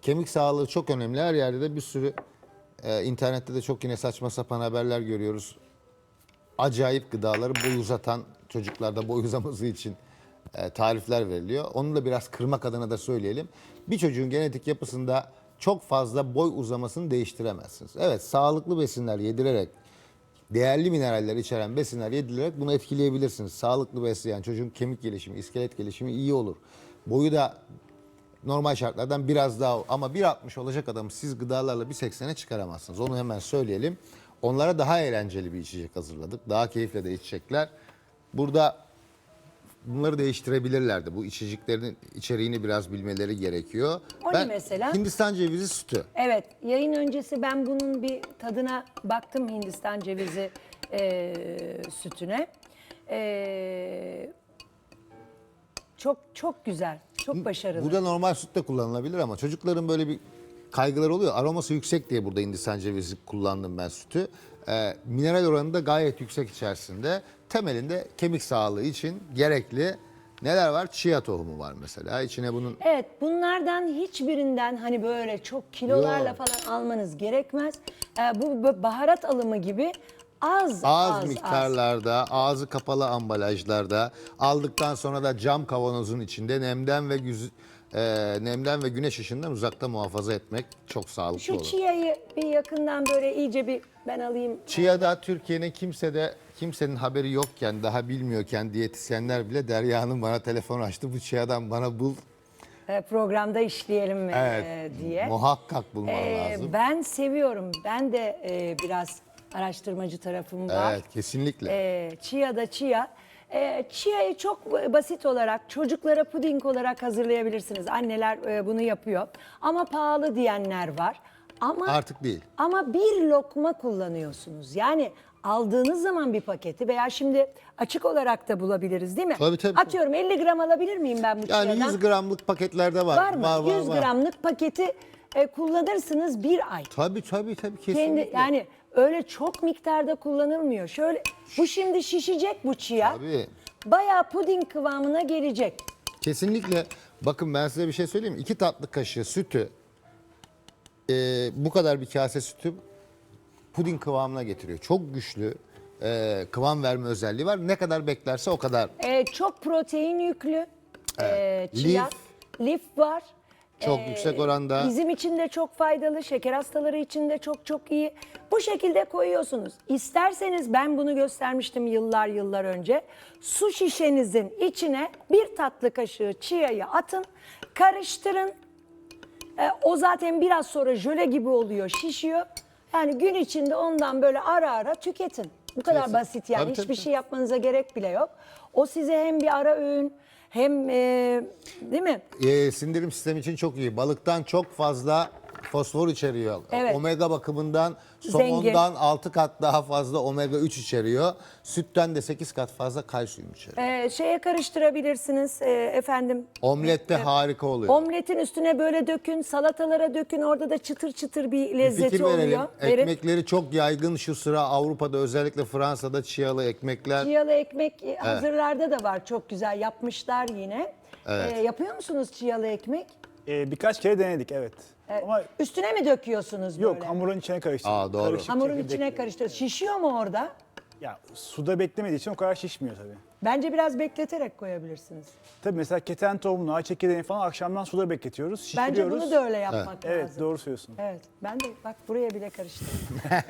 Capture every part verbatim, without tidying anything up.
kemik sağlığı çok önemli. Her yerde de bir sürü e, internette de çok yine saçma sapan haberler görüyoruz. Acayip gıdaları boy uzatan, çocuklarda boy uzaması için e, tarifler veriliyor. Onu da biraz kırmak adına da söyleyelim. Bir çocuğun genetik yapısında çok fazla boy uzamasını değiştiremezsiniz. Evet, sağlıklı besinler yedirerek, değerli mineraller içeren besinler yedirerek bunu etkileyebilirsiniz. Sağlıklı besleyen çocuğun kemik gelişimi, iskelet gelişimi iyi olur. Boyu da normal şartlardan biraz daha, ama bir altmış olacak adamı siz gıdalarla bir seksene çıkaramazsınız. Onu hemen söyleyelim. Onlara daha eğlenceli bir içecek hazırladık. Daha keyifle de içecekler. Burada bunları değiştirebilirlerdi. Bu içeceklerin içeriğini biraz bilmeleri gerekiyor. O ne mesela? Hindistan cevizi sütü. Evet, yayın öncesi ben bunun bir tadına baktım, Hindistan cevizi e, sütüne. E, çok çok güzel, çok başarılı. Burada normal süt de kullanılabilir ama çocukların böyle bir kaygıları oluyor. Aroması yüksek diye burada Hindistan cevizi kullandım ben sütü. Ee, mineral oranı da gayet yüksek içerisinde. Temelinde kemik sağlığı için gerekli neler var? Chia tohumu var mesela. İçine bunun Evet, bunlardan hiçbirinden hani böyle çok kilolarla Yok. falan almanız gerekmez. E, bu bu baharat alımı gibi az az, az, az. miktarlarda, ağzı kapalı ambalajlarda, aldıktan sonra da cam kavanozun içinde nemden ve güz, e, nemden ve güneş ışığından uzakta muhafaza etmek çok sağlıklı Şu olur. chia'yı bir yakından böyle iyice bir ben alayım. Chia'da Türkiye'nin kimse de kimsenin haberi yokken, daha bilmiyorken diyetisyenler bile Derya Hanım bana telefon açtı. Bu Chia'dan bana bul. E, programda işleyelim e, Evet, diye. muhakkak bulman Ee, lazım. Ben seviyorum. Ben de e, biraz araştırmacı tarafım var. Evet, kesinlikle. Ee, chia da chia. Ee, chia'yı çok basit olarak çocuklara puding olarak hazırlayabilirsiniz. Anneler e, bunu yapıyor. Ama pahalı diyenler var. Ama Artık değil. Ama bir lokma kullanıyorsunuz. Yani aldığınız zaman bir paketi veya şimdi açık olarak da bulabiliriz değil mi? Tabii, tabii, tabii. Atıyorum elli gram alabilir miyim ben bu Yani chia'dan? yüz gramlık paketlerde var. Var mı? Var, var, yüz var. gramlık paketi e, kullanırsınız bir ay. Tabii tabii tabii kesinlikle. Kendi yani öyle çok miktarda kullanılmıyor. Şöyle bu şimdi şişecek bu chia. Tabii. Bayağı puding kıvamına gelecek. Kesinlikle. Bakın ben size bir şey söyleyeyim mi? İki tatlı kaşığı sütü, e, bu kadar bir kase sütü puding kıvamına getiriyor. Çok güçlü e, kıvam verme özelliği var. Ne kadar beklerse o kadar. E, çok protein yüklü. E, chia. Lif. Lif var. Çok yüksek oranda. Bizim için de çok faydalı, şeker hastaları için de çok çok iyi. Bu şekilde koyuyorsunuz. İsterseniz ben bunu göstermiştim yıllar yıllar önce. Su şişenizin içine bir tatlı kaşığı chia'yı atın, karıştırın. E, o zaten biraz sonra jöle gibi oluyor, şişiyor. Yani gün içinde ondan böyle ara ara tüketin. Bu kadar Kesin. basit yani. Tabii, tabii, Hiçbir tabii. şey yapmanıza gerek bile yok. O size hem bir ara öğün hem e, değil mi? E, sindirim sistemi için çok iyi. Balıktan çok fazla fosfor içeriyor. Evet. Omega bakımından Zengin. somondan altı kat daha fazla omega üç içeriyor. Sütten de sekiz kat fazla kalsiyum içeriyor. E, şeye karıştırabilirsiniz e, efendim. Omlette harika oluyor. Omletin üstüne böyle dökün, salatalara dökün. Orada da çıtır çıtır bir Bir lezzeti fikir verelim. oluyor. Verin. Ekmekleri çok yaygın şu sıra Avrupa'da, özellikle Fransa'da chialı ekmekler. Chialı ekmek e, hazırlarda da var. Çok güzel yapmışlar yine. Evet. E, yapıyor musunuz chialı ekmek? Ee, birkaç kere denedik evet. Ama Üstüne mi döküyorsunuz yok böyle? hamurun içine karıştırdık. Aa, doğru. Karışık Hamurun çekirdek içine gibi. karıştır. Şişiyor mu orada? Ya suda beklemediği için o kadar şişmiyor tabii. Bence biraz bekleterek koyabilirsiniz. Tabii mesela keten tohumunu, ağaç çekirdeğini falan akşamdan suda bekletiyoruz, şişiriyoruz. Bence bunu da öyle yapmak lazım. Evet doğru söylüyorsun. Evet. Ben de bak buraya bile karıştırdım.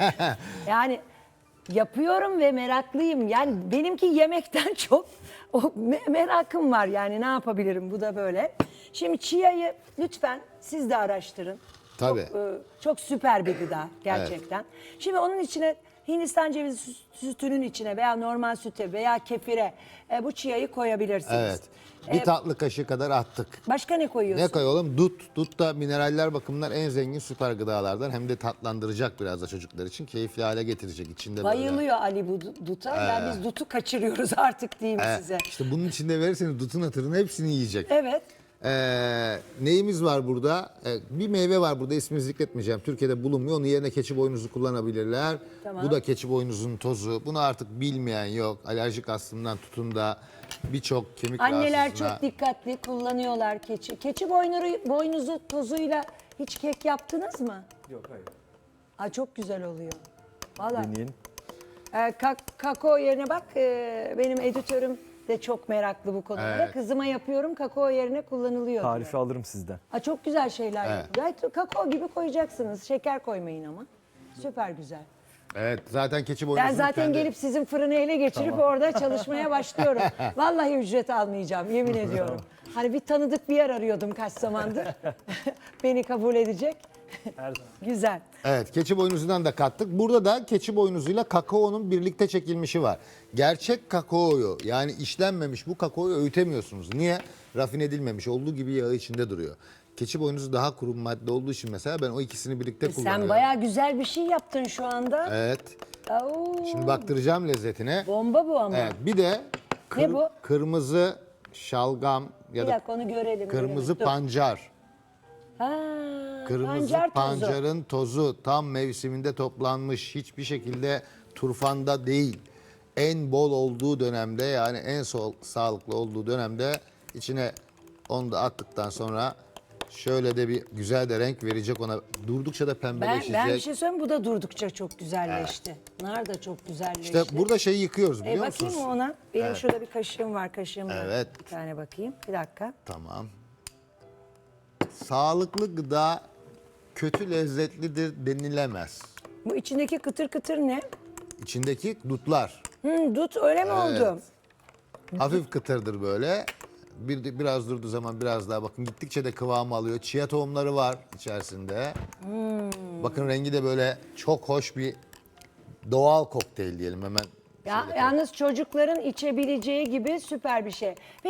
Yani yapıyorum ve meraklıyım. Yani benimki yemekten çok o me- merakım var. Yani ne yapabilirim? Bu da böyle. Şimdi chia'yı lütfen siz de araştırın. Tabii. Çok, e, çok süper bir gıda gerçekten. Şimdi onun içine Hindistan cevizi sü- sütünün içine veya normal süte veya kefire e, bu chia'yı koyabilirsiniz. Evet. Bir tatlı kaşığı kadar attık. Başka ne koyuyorsun? Ne koyalım? Dut. Dut da mineraller bakımından en zengin süper gıdalardan. Hem de tatlandıracak biraz da çocuklar için. Keyifli hale getirecek. İçinde böyle. Bayılıyor Ali bu du- duta. Ya biz dutu kaçırıyoruz artık diyeyim Ee, size. İşte bunun içinde verirseniz dutun hatırını hepsini yiyecek. Evet. Ee, neyimiz var burada? Ee, bir meyve var burada, ismini zikretmeyeceğim. Türkiye'de bulunmuyor. Onun yerine keçi boynuzu kullanabilirler. Tamam. Bu da keçi boynuzunun tozu. Bunu artık bilmeyen yok. Alerjik astımdan tutun da birçok kemik Anneler rahatsızlığına. çok dikkatli kullanıyorlar keçi. Keçi boynuru, boynuzu tozuyla Hiç kek yaptınız mı? Yok hayır. Aa, çok güzel oluyor. Vallahi. Deneyin. Ee, ka- kakao yerine bak, e, benim editörüm de çok meraklı bu konulara. Evet. Kızıma yapıyorum, kakao yerine kullanılıyor Tarifi diyor. alırım sizden. Aa, çok güzel şeyler Evet. yapıyor. Gayet kakao gibi koyacaksınız. Şeker koymayın ama. Süper güzel. Evet zaten keçi Ben boynuzunu zaten kendi... gelip sizin fırını ele geçirip orada çalışmaya başlıyorum. Vallahi ücret almayacağım, yemin ediyorum. Hani bir tanıdık bir yer arıyordum kaç zamandır. Beni kabul edecek. Her zaman. Güzel. Evet, keçi boynuzundan da kattık. Burada da keçi boynuzuyla kakaonun birlikte çekilmişi var. Gerçek kakaoyu, yani işlenmemiş bu kakaoyu öğütemiyorsunuz. Niye? Rafine edilmemiş, olduğu gibi yağı içinde duruyor. Keçi boynuzu daha kuru madde olduğu için mesela ben o ikisini birlikte kullanıyorum. Sen bayağı güzel bir şey yaptın şu anda. Evet. Oo, Şimdi baktıracağım lezzetine. bomba bu ama. Evet, bir de kır- bu? kırmızı şalgam ya Bir da dakika onu görelim. kırmızı görelim. Dur. pancar. Ha, Kırmızı pancar tozu. pancarın tozu tam mevsiminde toplanmış, hiçbir şekilde turfanda değil. En bol olduğu dönemde, yani en sol, sağlıklı olduğu dönemde içine onu da attıktan sonra şöyle de bir güzel de renk verecek ona. Durdukça da Ben, pembeleşecek. ben bir şey söyleyeyim, bu da durdukça çok güzelleşti. Nar da çok güzelleşti. İşte burada şeyi yıkıyoruz E, biliyor bakayım musunuz? mı ona? Benim şurada bir kaşığım var, kaşığım var. Evet. Bir tane bakayım. Bir dakika. Tamam. Sağlıklı gıda kötü lezzetlidir denilemez. Bu içindeki kıtır kıtır ne? İçindeki dutlar. Hmm, dut öyle mi oldu? Hafif kıtırdır böyle. Bir, biraz durduğu zaman biraz daha bakın gittikçe de kıvamı alıyor. Chia tohumları var içerisinde. Bakın rengi de böyle çok hoş bir doğal kokteyl diyelim hemen. Ya, şöyle yalnız çocukların içebileceği gibi süper bir şey.